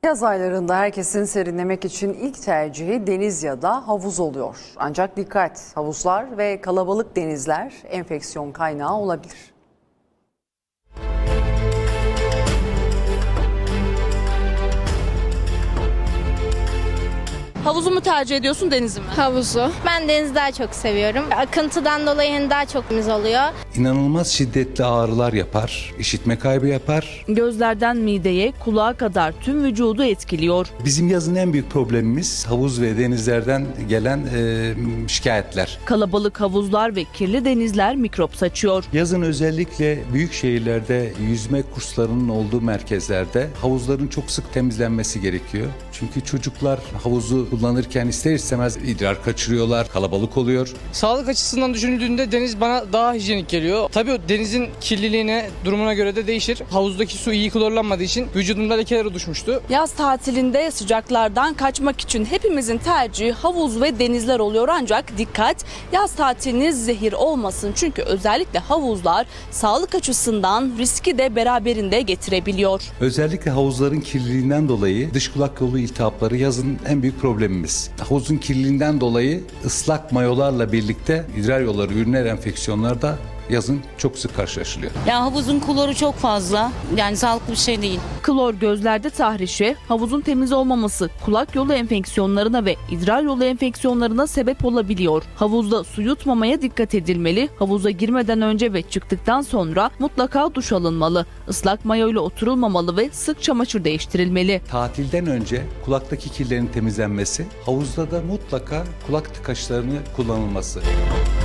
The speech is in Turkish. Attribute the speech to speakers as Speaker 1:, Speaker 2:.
Speaker 1: Yaz aylarında herkesin serinlemek için ilk tercihi deniz ya da havuz oluyor. Ancak dikkat, havuzlar ve kalabalık denizler enfeksiyon kaynağı olabilir.
Speaker 2: Havuzu mu tercih ediyorsun, denizi mi?
Speaker 3: Havuzu. Ben denizi daha çok seviyorum. Akıntıdan dolayı daha çok temiz oluyor.
Speaker 4: İnanılmaz şiddetli ağrılar yapar, işitme kaybı yapar.
Speaker 2: Gözlerden mideye, kulağa kadar tüm vücudu etkiliyor.
Speaker 4: Bizim yazın en büyük problemimiz havuz ve denizlerden gelen şikayetler.
Speaker 2: Kalabalık havuzlar ve kirli denizler mikrop saçıyor.
Speaker 4: Yazın özellikle büyük şehirlerde yüzme kurslarının olduğu merkezlerde havuzların çok sık temizlenmesi gerekiyor. Çünkü çocuklar havuzu kullanırken ister istemez idrar kaçırıyorlar, kalabalık oluyor.
Speaker 5: Sağlık açısından düşünüldüğünde deniz bana daha hijyenik geliyor. Tabii o denizin kirliliğine, durumuna göre de değişir. Havuzdaki su iyi klorlanmadığı için vücudumda lekeler oluşmuştu.
Speaker 2: Yaz tatilinde sıcaklardan kaçmak için hepimizin tercihi havuz ve denizler oluyor. Ancak dikkat, yaz tatiliniz zehir olmasın. Çünkü özellikle havuzlar sağlık açısından riski de beraberinde getirebiliyor.
Speaker 4: Özellikle havuzların kirliliğinden dolayı dış kulak yolu iltihapları yazın en büyük problemimiz. Havuzun kirliliğinden dolayı ıslak mayolarla birlikte idrar yolları, üriner enfeksiyonlar da yazın çok sık karşılaşılıyor.
Speaker 6: Ya havuzun kloru çok fazla. Yani sağlıklı bir şey değil.
Speaker 2: Klor gözlerde tahrişe, havuzun temiz olmaması kulak yolu enfeksiyonlarına ve idrar yolu enfeksiyonlarına sebep olabiliyor. Havuzda su yutmamaya dikkat edilmeli. Havuza girmeden önce ve çıktıktan sonra mutlaka duş alınmalı. Islak mayo ile oturulmamalı ve sık çamaşır değiştirilmeli.
Speaker 4: Tatilden önce kulaktaki kirlerin temizlenmesi, havuzda da mutlaka kulak tıkaçlarını kullanılması.